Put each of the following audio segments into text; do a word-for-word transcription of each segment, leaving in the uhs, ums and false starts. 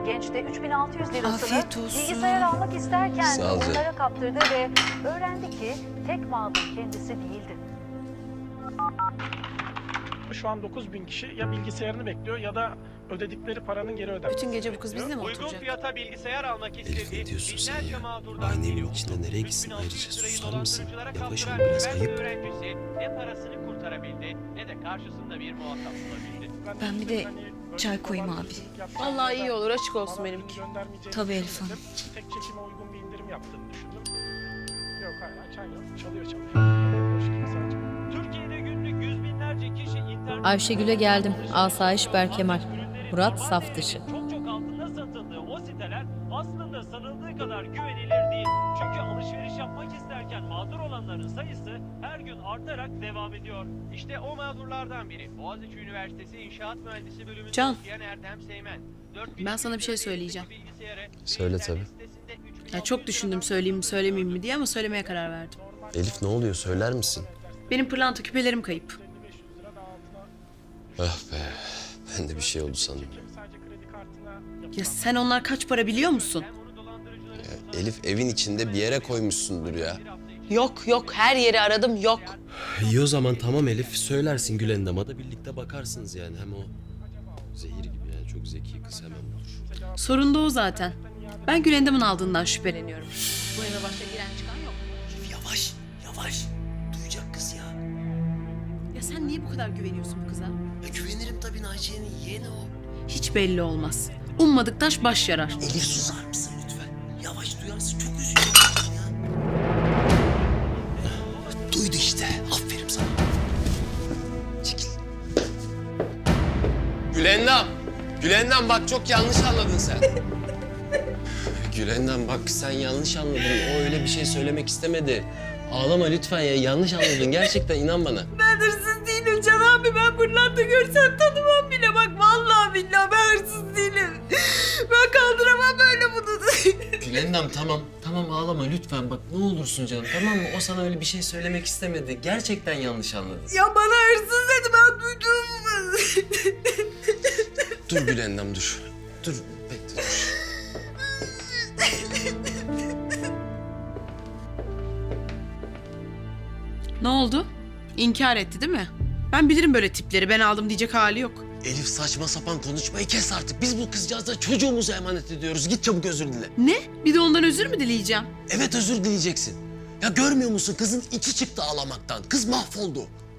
Genç de üç bin altı yüz lirasını Afiyet olsun. bilgisayar almak isterken Sağ ol canım. onlara kaptırdı ve öğrendi ki tek mağdur kendisi değildi. Şu an dokuz bin kişi ya bilgisayarını bekliyor ya da ödedikleri paranın geri ödenmesini Bütün gece bu kız bekliyor. bizle mi Uygun oturacak? fiyata bilgisayar almak Elif, ne istediği diyorsun sen binlerce ya? mağdurdan Aynı evin biri içinde oldu. nereye gitsin? üç bin altı yüz Ayrıca lirayı susar mısın? dolandırıcılara Yaklaş kaptıran oğlum, biraz üniversite ayıp. öğrencisi ne parasını kurtarabildi ne de karşısında bir muhatap bulabildi. Ben bir de Hani böyle çay koyayım abi. dolandırıcılık yapacak Vallahi ya da iyi olur, açık olsun bana benimki. ürün göndermeyeceğini Tabii Elif düşünmedim. Hanım. Tek çekime uygun bir indirim yaptığını düşündüm. Yok hala çay yok. Çalıyor çalıyor. Boş kimse açmıyor. Türkiye'de günlük yüz binlerce kişi internet... Ayşegül'e geldim. Asayiş Berkemal. Murat saf dışı. Çok çok altında satıldığı o siteler aslında sanıldığı kadar güvenilir değil. Çünkü alışveriş yapmak isterken mağdur olanların sayısı her gün artarak devam ediyor. İşte o mağdurlardan biri Boğaziçi Üniversitesi İnşaat Mühendisi bölümünde Can, okuyan Erdem Seymen. ben sana bir şey söyleyeceğim. Söyle tabii. Ya çok düşündüm söyleyeyim mi söylemeyeyim mi diye ama söylemeye karar verdim. Elif ne oluyor, söyler misin? Benim pırlanta küpelerim kayıp. Ah be, ben de bir şey oldu sandım. Sadece kredi kartına Ya sen onlar kaç para biliyor musun? Ya Elif evin içinde bir yere koymuşsundur ya. Yok yok, her yeri aradım, yok. İyi o zaman tamam Elif, söylersin Gülendam'a da birlikte bakarsınız yani. Hem o zehir gibi yani, çok zeki kız, hemen bulur. Sorun da o zaten. Ben Gülendam'ın aldığından şüpheleniyorum. Bu eve başka giren çıkan yok. Elif yavaş, yavaş. Duyacak kız ya. Ya sen niye bu kadar güveniyorsun bu kıza? Ya güvenirim tabii, Naciye'nin yeğeni o. Hiç belli olmaz. Ummadık taş baş yarar. Elif susar mısın lütfen? Yavaş, duyarsın, çok üzülüyorum ya. Duydu işte, aferin sana. Çekil. Gülendam, Gülendam bak çok yanlış anladın sen. Gülendam bak sen yanlış anladın, o öyle bir şey söylemek istemedi. Ağlama lütfen ya, yanlış anladın gerçekten, inan bana. Ben hırsız değilim Can abi. Ben pırlanta görsem tanımam bile. Bak vallahi billahi ben hırsız değilim. Ben kaldıramam böyle bunu. Gülendam tamam, tamam ağlama lütfen bak ne olursun canım, tamam mı? O sana öyle bir şey söylemek istemedi, gerçekten yanlış anladın. Ya bana hırsız dedi, ben duydum. Dur Gülendam dur, dur bekle dur. Ne oldu? İnkar etti değil mi? Ben bilirim böyle tipleri. Ben aldım diyecek hali yok. Elif saçma sapan konuşmayı kes artık. Biz bu kızcağıza çocuğumuzu emanet ediyoruz. Git çabuk özür dile. Ne? Bir de ondan özür mü dileyeceğim? Evet özür dileyeceksin. Ya görmüyor musun? Kızın içi çıktı ağlamaktan. Kız mahvoldu.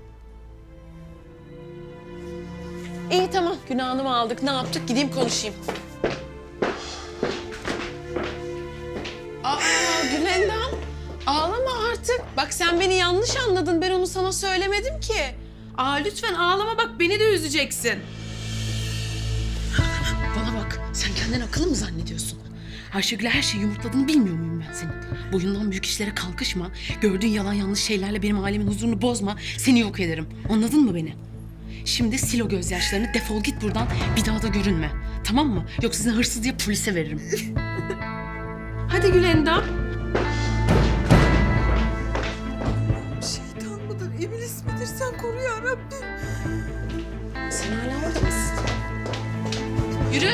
İyi tamam. Günahını mı aldık? Ne yaptık? Gideyim konuşayım. Aa Gülendam. Ağlama artık. Bak sen beni yanlış anladın. Ben onu sana söylemedim ki. Aa lütfen ağlama bak. Beni de üzeceksin. Bana bak. Sen kendini akıllı mı zannediyorsun? Ayşegül'e her şeyi yumurtladığını bilmiyor muyum ben senin? Boyundan büyük işlere kalkışma. Gördüğün yalan yanlış şeylerle benim ailemin huzurunu bozma. Seni yok ederim. Anladın mı beni? Şimdi sil o gözyaşlarını, defol git buradan, bir daha da görünme. Tamam mı? Yoksa seni hırsız diye polise veririm. Hadi Gülendam. Şeytan mıdır, iblis midir? Sen koru ya Rabbim. Sen hala orada mısın? Yürü.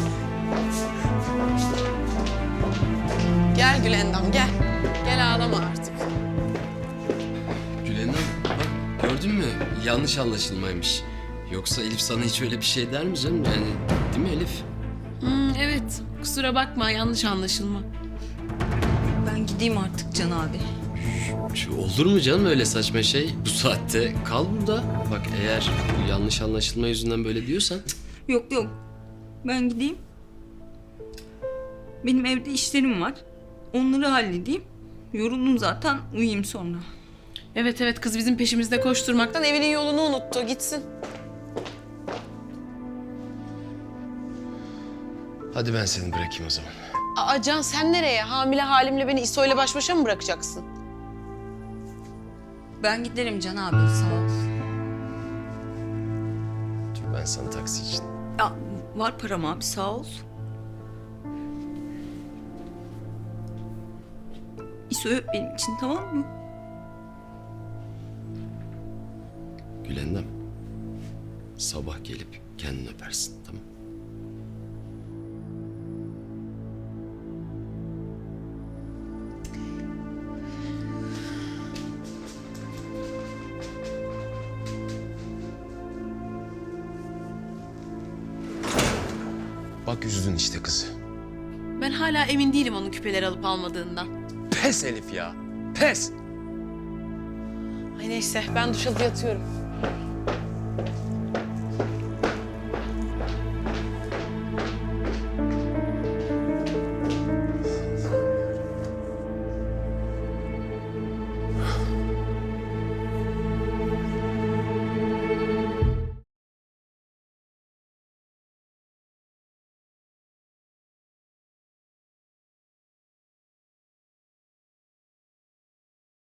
Gel Gülendam, gel. Gel ağlama artık. Gülendam bak gördün mü? Yanlış anlaşılmaymış. Yoksa Elif sana hiç öyle bir şey der mi canım? Yani değil mi Elif? Hmm, evet, kusura bakma, yanlış anlaşılma. Ben gideyim artık Can abi. Şu olur mu canım öyle saçma şey? Bu saatte kal burada. Bak eğer bu yanlış anlaşılma yüzünden böyle diyorsan... Yok yok. Ben gideyim. Benim evde işlerim var. Onları halledeyim. Yoruldum zaten. Uyuyayım sonra. Evet evet, kız bizim peşimizde koşturmaktan evinin yolunu unuttu, gitsin. Hadi ben seni bırakayım o zaman. Aa Can sen nereye? Hamile halimle beni İso'yla baş başa mı bırakacaksın? Ben giderim Can abi. Sağ ol. Dur ben sana taksi için. Ya, var param abi. Sağ ol. İso'yu öp benim için, tamam mı? Gülendam. Sabah gelip kendini öpersin, tamam? Bak üzdün işte kızı. Ben hala emin değilim onun küpeleri alıp almadığından. Pes Elif ya. Pes. Ay neyse ben duş alıp yatıyorum.